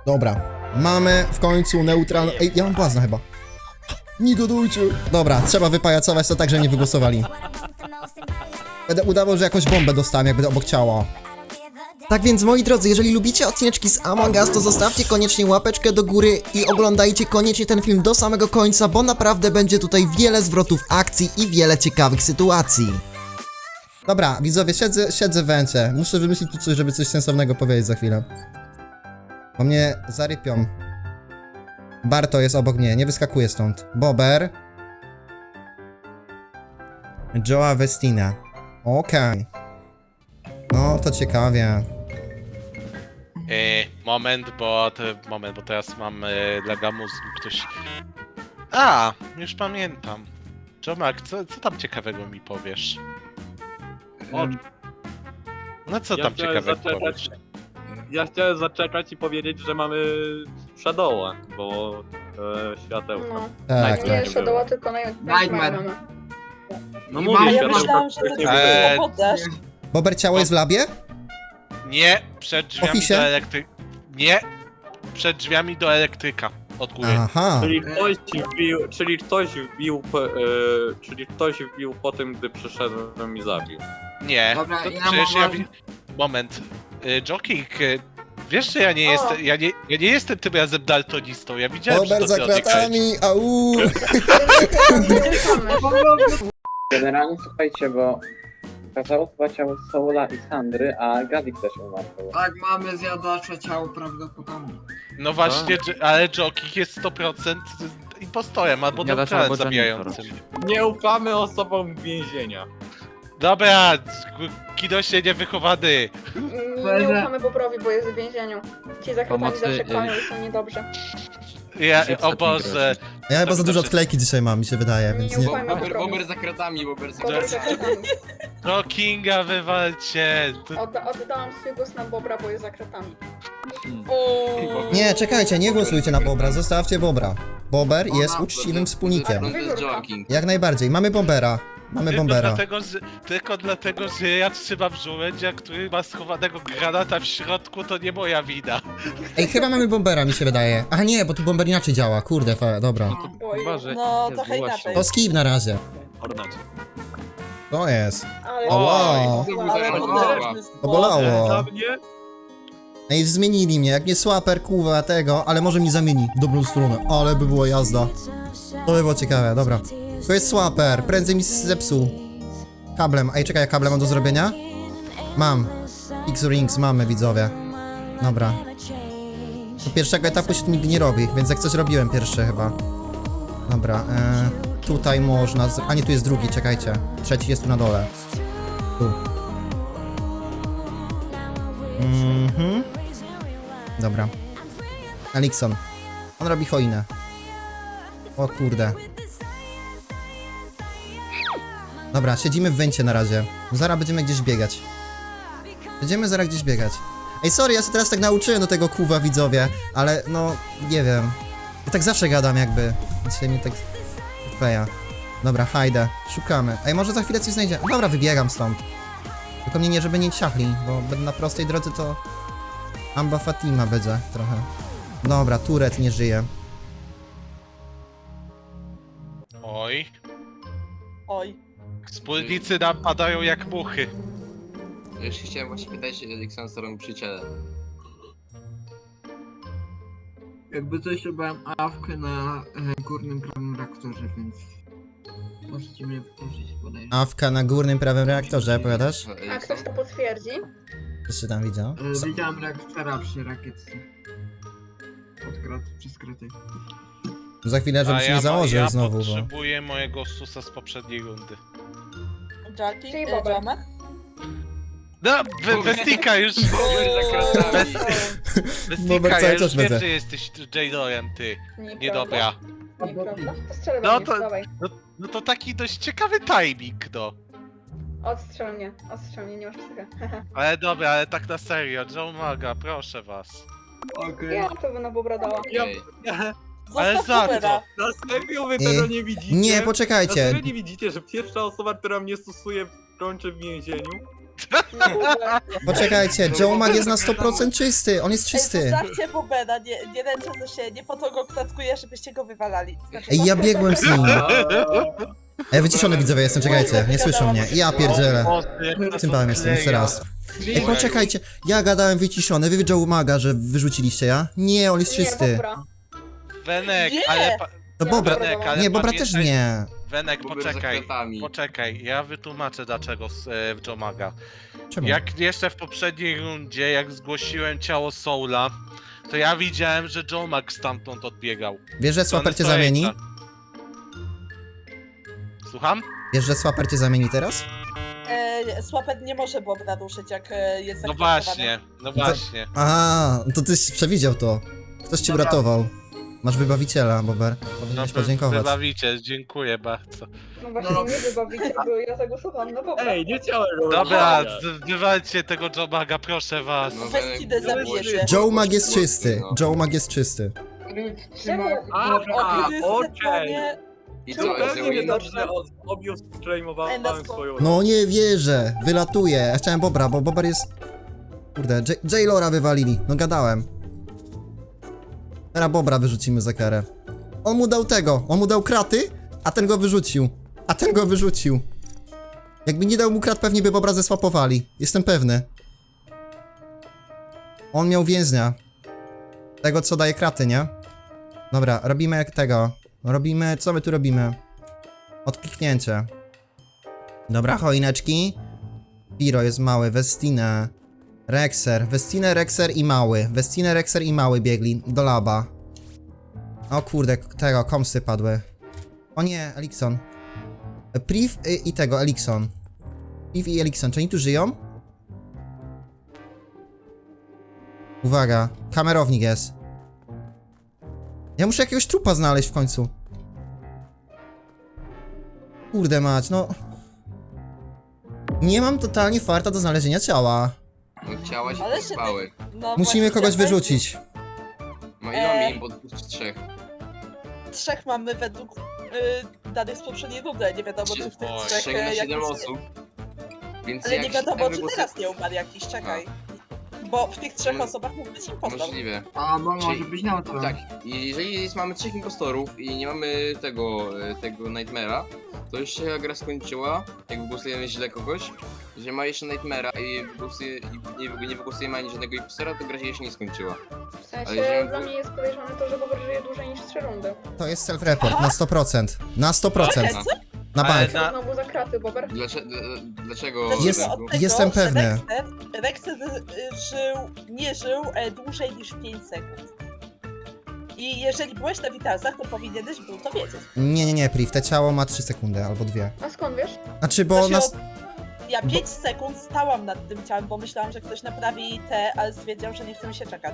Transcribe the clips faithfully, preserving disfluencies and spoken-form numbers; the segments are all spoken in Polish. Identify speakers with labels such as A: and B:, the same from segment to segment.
A: Dobra, mamy w końcu neutralną... Ej, ja mam błazna chyba. Nie dodujcie. Dobra, trzeba wypajacować to tak, że nie wygłosowali. Będę udawał, że jakąś bombę dostałem, jak będę obok ciała. Tak więc, moi drodzy, jeżeli lubicie odcineczki z Among Us, to zostawcie koniecznie łapeczkę do góry i oglądajcie koniecznie ten film do samego końca, bo naprawdę będzie tutaj wiele zwrotów akcji i wiele ciekawych sytuacji. Dobra, widzowie, siedzę, siedzę w węcie. Muszę wymyślić tu coś, żeby coś sensownego powiedzieć za chwilę. Bo mnie zarypią. Barto jest obok mnie, nie wyskakuje stąd. Bober. Joa Westina. Okej. No, to ciekawie.
B: Yy, moment, bo te, moment, bo teraz mam yy, laga mózgu, ktoś... A, już pamiętam. Jomak, co, co tam ciekawego mi powiesz? O... No co
C: Ja
B: tam
C: chciałem
B: ciekawego
C: zaczekać-
B: powiesz?
C: Ja chciałem zaczekać i powiedzieć, że mamy Shadowa, bo e, światełka.
D: No,
A: Tak,
D: nie
A: tak.
D: Shadowa, tylko na
E: Nightmare.
D: mamy.
C: No
E: I
C: mówię,
E: mam-
F: A ja
C: światełka
F: myślałam, że to
C: wcześniej
F: tylko
B: Eee,
C: były.
F: poddasz.
A: Bober, ciało jest w labie?
B: Nie, przed drzwiami
A: Ofisie?
B: do elektryka. Nie, przed drzwiami do elektryka. Od góry.
A: Aha.
C: Czyli ktoś wbił, czyli ktoś wbił, po- e, czyli ktoś wbił po tym, gdy przyszedłem i zabił.
B: Nie,
E: Dobra,
B: to
E: ja
B: przecież ja...
E: mam-
B: wi- Moment. Y, Joking, y, wiesz, że ja nie
D: O.
B: jestem... Ja nie, ja nie jestem tym razem daltonistą, ja widziałem, że
A: Bober
B: to
A: za
B: ty odjechałeś.
A: kratami, au!
G: Generalnie słuchajcie, bo okazało chyba ciało Soula i Sandry, a Gadik też umarł.
E: Tak, mamy zjadacza ciało prawdopodobnie.
B: No właśnie, dż- ale Joking jest sto procent impostorem albo
H: Nie da się,
B: neutralem
H: albo
B: zabijającym.
C: Nie ufamy osobom więzienia.
B: Dobra, kidosie niewychowany.
D: Nie, nie ufamy Bobrowi, bo jest w więzieniu. Ci za kratami
H: Pomocy,
D: zawsze
H: y-
D: kłamią i są niedobrze.
B: Ja,
H: Chips
B: o
H: taki
B: Boże.
A: Ja chyba za dużo
B: Dobrze.
A: odklejki dzisiaj mam, mi się wydaje,
D: Nie
A: więc nie...
D: ufajmy
E: Bober,
D: Bobrowi.
E: bober za kratami, bober za
D: Bobry za
E: kratami.
D: kratami.
B: No Kinga wywalcie. To...
D: Odda oddałam swój głos na Bobra, bo jest za kratami.
A: Nie, czekajcie, nie głosujcie na Bobra, zostawcie Bobra. Bober jest uczciwym wspólnikiem.
E: To jest joking.
A: Jak najbardziej, mamy Bombera. Mamy
B: Tylko
A: Bombera.
B: dlatego, że, tylko dlatego, że ja trzymam żołędzia, który ma schowanego granata w środku, to nie moja wina.
A: Ej, chyba mamy Bombera, mi się wydaje. A nie, bo tu Bomber inaczej działa, kurde, fa, dobra.
D: Oj,
H: Chyba, że
F: No,
H: nie
F: trochę
H: zgłosił.
F: inaczej.
A: To skip na razie. To jest.
D: ale...
A: O, wow.
F: Ale
E: Ale
F: potężny
A: To bolało.
C: Dla mnie?
A: Ej, zmienili mnie, jak nie słaper, kuwa tego, ale może mi zamieni w dobrą stronę. Ale by była jazda. To by było ciekawe, dobra. To jest swaper, prędzej mi zepsuł. Kablem, ej czekaj, kablem mam do zrobienia? Mam. X-Rings mamy, widzowie. Dobra. Do pierwszego etapu się to nigdy nie robi, więc jak coś robiłem pierwsze chyba. Dobra, e, tutaj można... Z... A nie, tu jest drugi, czekajcie. Trzeci jest tu na dole. Tu. Mhm. Dobra. Elikson. On robi choinę. O kurde. Dobra, siedzimy w węcie na razie. Zaraz będziemy gdzieś biegać. Będziemy zaraz gdzieś biegać. Ej, sorry, ja się teraz tak nauczyłem do tego kuwa, widzowie, ale no, nie wiem. Ja tak zawsze gadam jakby. Dzisiaj mi tak... kleja. Dobra, hajdę. Szukamy. Ej, może za chwilę coś znajdziemy. Dobra, wybiegam stąd. Tylko mnie nie, żeby nie ciachli, bo będę na prostej drodze to... Amba Fatima będzie trochę. Dobra, Turet nie żyje.
B: Oj,
F: Oj.
B: wspólnicy nam padają jak muchy.
E: Już chciałem właśnie pytać, Dixon, co robi przyjaciele.
I: Jakby coś robiłem awkę na e, górnym prawym reaktorze, więc możecie mnie prosić, podejrzeć.
A: Awka na górnym prawym reaktorze, powiadasz?
D: A ktoś to potwierdzi?
A: Jeszcze tam widział?
I: E, widziałem reaktora przy rakietce. Od krat, przez kraty.
A: Za chwilę, żebym
B: A
A: się
B: ja,
A: nie założył
B: ja
A: znowu, bo...
B: potrzebuję mojego susa z poprzedniej rundy.
F: Jackie?
D: Czyli
F: e,
D: Bobek.
F: Jomek?
B: No, we- Westika już...
E: Bober za kratami.
A: Bober
B: Westika,
A: cały
B: ja
A: czas
B: już wiem,
A: będzie.
B: że jesteś Jadorem, ty.
D: Nieprawda.
B: Niedobra.
D: Nieprawda. Postrzelę
B: No
D: no
B: to-
D: to... dawaj.
B: No, no to taki dość ciekawy timing, no.
D: Odstrzel mnie, odstrzel mnie, nie masz psychy.
B: Ale dobra, ale tak na serio, Joe Maga, proszę was.
I: Okej.
D: Ja to by na Bobra dała.
E: Okej.
B: Ale
F: Zostaw
B: za
F: Boobera.
C: Na serio wy
A: I-
C: tego nie widzicie?
A: Nie,
C: Na
A: poczekajcie.
C: serio nie widzicie, że pierwsza osoba, która mnie stosuje, kończy w więzieniu?
A: Poczekajcie, Joe Mag jest na sto procent czysty, on jest
F: Ej,
A: czysty.
F: zostawcie Bobena, nie, nie ręczę się, nie po to go klatkuję, żebyście go wywalali. Znaczy,
A: Ej, ja biegłem z nim. Ej, wyciszony widzowie jestem, czekajcie, nie słyszą mnie. Ja pierdzielę. Cymbałem jestem, jeszcze raz. Ej, poczekajcie, ja gadałem wyciszony, wy Joe Maga, że wyrzuciliście ja? Nie, on jest
D: Nie,
A: czysty.
D: dobra.
B: Wenek,
F: Nie!
B: ale... Pa...
A: No Bobra,
B: Wenek, ale
A: nie, Bobra
B: pamiętaj-
A: też nie.
B: Wenek,
E: Bobry za
B: poczekaj.
E: kratami.
B: Poczekaj, ja wytłumaczę dlaczego z e, w Jomaga.
A: Czemu?
B: Jak jeszcze w poprzedniej rundzie, jak zgłosiłem ciało Soula, to ja widziałem, że Jomag stamtąd odbiegał.
A: Wiesz, że Swapper cię zamieni?
B: Słucham?
A: Wiesz, że Swapper cię zamieni teraz?
F: E, Słapet nie może Bobna ruszyć, jak e, jest
B: No
F: zakwotowany.
B: właśnie, no właśnie.
A: Aha, to tyś przewidział to. Ktoś ci
B: Dobra.
A: uratował. Masz wybawiciela, Bober.
B: No
A: Powinieneś
B: wy-
A: podziękować.
B: wybawicie, dziękuję bardzo.
D: No właśnie, nie wybawicie, bo ja zagłosowałam na Bobra.
C: Ej, nie chciałem go
B: Dobra,
C: wybrać.
B: z- wywalcie tego Jomaga, proszę was.
E: No,
F: Weź
E: Wenek,
F: zabijecie.
A: Joe Mag jest
E: No.
A: czysty. Joe Mag jest czysty.
D: Czemu?
C: A,
F: O,
C: okej.
F: Chrystusie,
E: I
D: Czemu
E: co,
D: pewnie
E: Ezreal?
D: nie
C: Dobrze, że od- objął
F: Ej, na
C: streamowałem
F: spoko.
C: swoją...
A: No nie wierzę, wylatuje. Ja chciałem Bobra, bo Bober jest... Kurde, J- Jailora wywalili, no gadałem. Teraz Bobra wyrzucimy za karę. On mu dał tego, on mu dał kraty, a ten go wyrzucił. A ten go wyrzucił. Jakby nie dał mu krat, pewnie by Bobra zesłapowali. Jestem pewny. On miał więźnia. Tego, co daje kraty, nie? Dobra, robimy jak tego. Robimy, co my tu robimy? Odkliknięcie. Dobra, choineczki. Piro jest mały, Westinę. Rexer, Westinę, Rexer i mały. Westinę, Rexer i mały biegli do laba. O kurde, tego, komsy padły. O nie, Elikson. Priv y, i tego, Elikson. Priv i Elikson, czy oni tu żyją? Uwaga, kamerownik jest. Ja muszę jakiegoś trupa znaleźć w końcu. Kurde mać, no... Nie mam totalnie farta do znalezienia ciała.
E: No ciała się
F: Ale się
E: spały.
F: no
A: Musimy
F: właśnie,
A: kogoś
F: weź-
A: wyrzucić.
E: No ile mamy
F: Eee.
E: im, bo dwóch czy trzech?
F: Trzech mamy według y, danych z poprzedniej rundy, nie wiadomo czy w tych
B: Oj,
F: trzech
E: Trzech na
F: e,
E: siedem
F: jakiś-
E: osób. Więc
F: Ale
E: jak
F: nie
E: się
F: wiadomo
E: tam
F: czy
E: wygłosu-
F: teraz nie umarł jakiś, czekaj. Bo w tych trzech
E: Mm,
F: osobach mógł być impostor.
E: Możliwe.
I: A, bo może
E: Czyli-
I: być na to.
E: Tak, i jeżeli jest, mamy trzech impostorów i nie mamy tego, e, tego Nightmare'a, to już się gra skończyła, jak wygłosujemy źle kogoś. Jeżeli ma jeszcze Nightmare'a i, wygłosuje, i nie, nie wygłosujemy ani żadnego impostora, to gra się jeszcze nie skończyła.
D: W
E: Ale
D: sensie,
E: że-
D: dla mnie jest podejrzane to, że Bobr żyje dłużej niż trzy rundy.
A: To jest self-report, na sto procent. Na sto procent.
F: Czekaj, co?
A: Na
B: Ale
A: bank.
B: na-
D: Znowu za kraty, Bobr.
E: Dlaczego? Dlaczego?
F: Zacznijmy
A: Jest-
F: od tego,
A: jestem
F: że
A: pewny.
F: Rexer, Rexer y, żył, nie żył e, dłużej niż pięć sekund. I jeżeli byłeś na Witalsach, to powinieneś był to wiedzieć.
A: Nie, nie, nie, Priv, te ciało ma trzy sekundy albo dwie.
D: A skąd wiesz?
A: Znaczy, bo
F: To się
A: nas...
F: Ja pięć sekund stałam nad tym ciałem, bo myślałam, że ktoś naprawi te, ale stwierdził, że nie chce mi się czekać.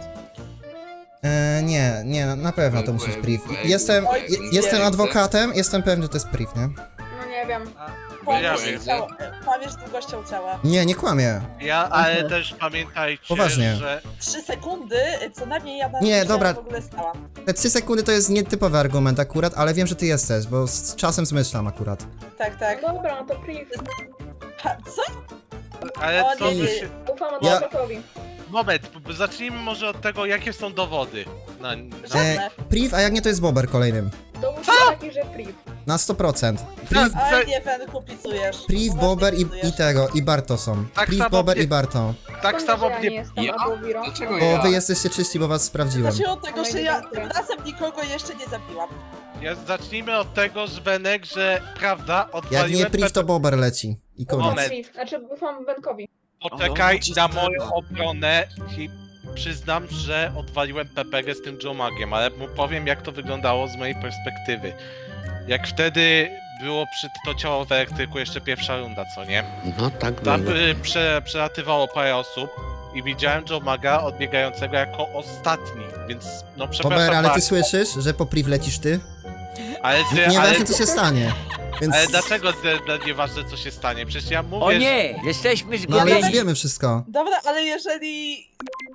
A: E, nie, nie, na pewno to musi być Priv. Jestem,
F: Oj,
A: je, jestem
F: nie.
A: adwokatem, jestem pewny, że to jest Priv, nie?
D: No nie wiem.
F: Kłamiesz,
E: wiem.
F: ciało, kłamiesz długością ciała.
A: Nie, nie kłamię.
B: Ja, ale też pamiętajcie,
A: Poważnie.
B: że...
F: Trzy sekundy, co najmniej ja na
A: Nie,
F: tym
A: dobra.
F: w ogóle stałam.
A: Te trzy sekundy to jest nietypowy argument akurat, ale wiem, że ty jesteś, bo z czasem zmyślam akurat.
F: Tak, tak.
D: No dobra, no to priv.
F: Ha, co?
B: Ale
F: O,
B: co
F: nie,
B: by
F: nie.
B: się...
D: Ufam
A: Ja-
D: adwokatowi.
B: Moment, b- zacznijmy może od tego, jakie są dowody. Na, na...
F: Żadne.
A: E, Priv, a jak nie, to jest Bober kolejnym.
D: Dowód jest taki, że priv.
A: Na sto procent. Priv,
F: Oj, nie, Fenku, picujesz.
A: Priv,
F: Poważnie
A: Bober i,
F: picujesz.
A: i tego, i Barto są.
B: Tak
A: Priv,
B: samo
A: Bober
B: mnie-
A: i Barto.
B: Tak
D: Skąd
B: samo
D: wiesz, że ja nie
B: mnie...
D: jestem
E: Ja?
D: albo Wiro?
E: Dlaczego
A: Bo
E: ja?
A: wy jesteście czyści, bo was sprawdziłem.
F: Zacznijmy od tego,
D: Ona
F: że
D: nie
F: ja
D: wątpię.
F: tym razem nikogo jeszcze nie zabiłam.
B: Ja, zacznijmy od tego, że Benek, że prawda,
A: Jak
B: odwaliłem...
A: nie Priv, to Bober leci. I
D: Ufam
A: koniec.
B: Moment.
D: priv. Znaczy ufam Benkowi.
B: Poczekaj
H: O,
B: na
H: czysta
B: moją
H: prawda.
B: obronę i przyznam, że odwaliłem P P G z tym Jomagiem, ale mu powiem jak to wyglądało z mojej perspektywy. Jak wtedy było przy to ciało w elektryku jeszcze pierwsza runda, co nie?
H: No tak
B: Tam
H: było.
B: y, prze, przelatywało parę osób i widziałem Jomaga odbiegającego jako ostatni, więc no przepraszam
A: Bober, ale ty
B: bardzo,
A: słyszysz, że po Priv lecisz ty?
B: ale, ty, ale,
A: Nieważne co się stanie. Więc...
B: ale dlaczego że- że nieważne co się stanie? Przecież ja mówię,
H: O
B: że-
H: nie! Jesteśmy
A: No ale już
H: zgubieni!
A: wiemy wszystko.
F: Dobra, ale jeżeli...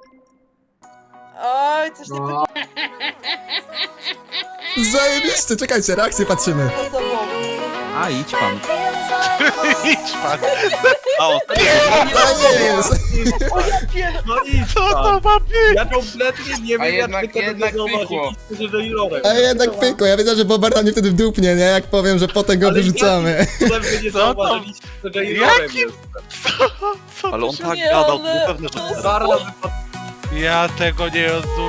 F: Oj, coś nie
I: No,
A: Zajebiście, czekajcie, reakcję patrzymy.
F: wygląda za sobą.
H: A idź pan.
B: Idź pan.
H: O,
A: To nie jest!
F: O ja pier...
C: No i
B: Co to ma być?
C: Ja kompletnie nie wiem,
E: A
C: jak
E: jednak-
C: wy tego
E: jednak
C: nie
E: pykło.
C: zauważyliście, że jurorem.
A: A jednak pykło, ja wiedziałem, że Bober na mnie wtedy wdupnie, nie? Jak powiem, że potem go
C: Ale
A: wyrzucamy.
C: Cudem wy nie
B: Co tam?
C: zauważyliście, że jurorem
B: Jakim-
C: jest.
B: Co
H: ale on
B: to się...
H: tak
F: Nie,
H: gadał,
F: ale-
H: było pewne, że...
F: to jest-
C: Zarna wypadła.
B: Ja tego nie rozumiem.